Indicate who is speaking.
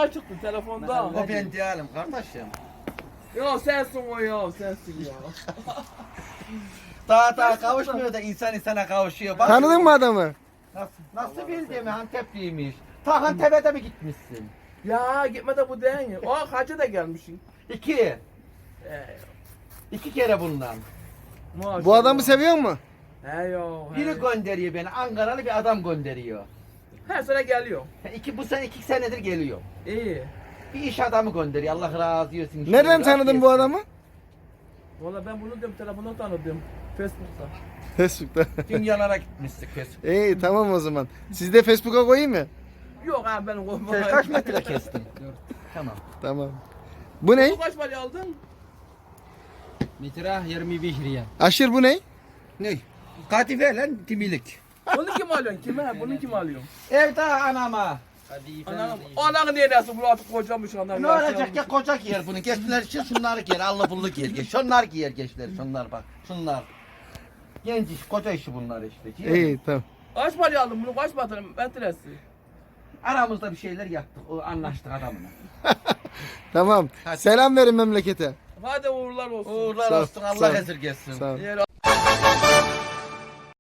Speaker 1: çıktı telefonda.
Speaker 2: O ben değilim kardeşim.
Speaker 1: Ya sensin o ya sensin ya.
Speaker 2: Daha kavuşmuyor da insan insana kavuşuyor. Bak,
Speaker 3: Tanıdın mı adamı?
Speaker 2: Nasıl bildiğimi Antepliymiş. Ta Antep'e mi gitmişsin?
Speaker 1: Ya gitme de bu değil. O hacı da gelmişsin.
Speaker 2: İki. İki kere bundan.
Speaker 1: Maşallah.
Speaker 3: Bu adamı seviyor mu?
Speaker 1: He yo.
Speaker 2: Biri gönderiyor beni. Ankaralı bir adam gönderiyor.
Speaker 1: Her sene geliyor.
Speaker 2: Bu sene 2 senedir geliyor.
Speaker 1: İyi.
Speaker 2: Bir iş adamı gönderiyor. Allah razı olsun.
Speaker 3: Nereden tanıdın bu adamı?
Speaker 1: Valla ben bunu diyorum telefonda tanıdım. Facebook'ta.
Speaker 3: Facebook'ta.
Speaker 2: Dünyalara gitmiştik kes.
Speaker 3: İyi tamam o zaman. Siz de Facebook'a koyayım mı?
Speaker 1: Yok abi benim o.
Speaker 2: Sen kaç metre kestin? Tamam.
Speaker 3: Tamam. Bu ne?
Speaker 1: Bu kaç paraya aldın?
Speaker 4: Metre 25 riyal.
Speaker 3: Aşır bu ne?
Speaker 2: Ne? Kadife lan timilik.
Speaker 1: Bunu kim alıyorsun? Kime? Bunu kim alıyor?
Speaker 2: Evde anama.
Speaker 1: Anam. Ananı niye dersin? Bu artık kocamış anam.
Speaker 2: Ne olacak ya koca giyer bunu. Gençler için şunları giyer. Allah bullu giyer. Şunlar giyer gençler. Şunlar bak. Şunlar. Genç iş, koca işi bunlar işte. Giyer.
Speaker 3: İyi tamam.
Speaker 1: Kaç paraya aldın bunu? Kaç paraya? Metresi.
Speaker 2: Aramızda bir şeyler yaptık. O anlaştık adamla.
Speaker 3: Tamam.
Speaker 2: Hadi.
Speaker 3: Selam verin memlekete.
Speaker 1: Hadi uğurlar olsun.
Speaker 2: Uğurlar
Speaker 3: Sağ ol,
Speaker 2: olsun.
Speaker 3: sağ ol.
Speaker 2: Allah esirgesin.
Speaker 3: Sağ ol.
Speaker 1: Yer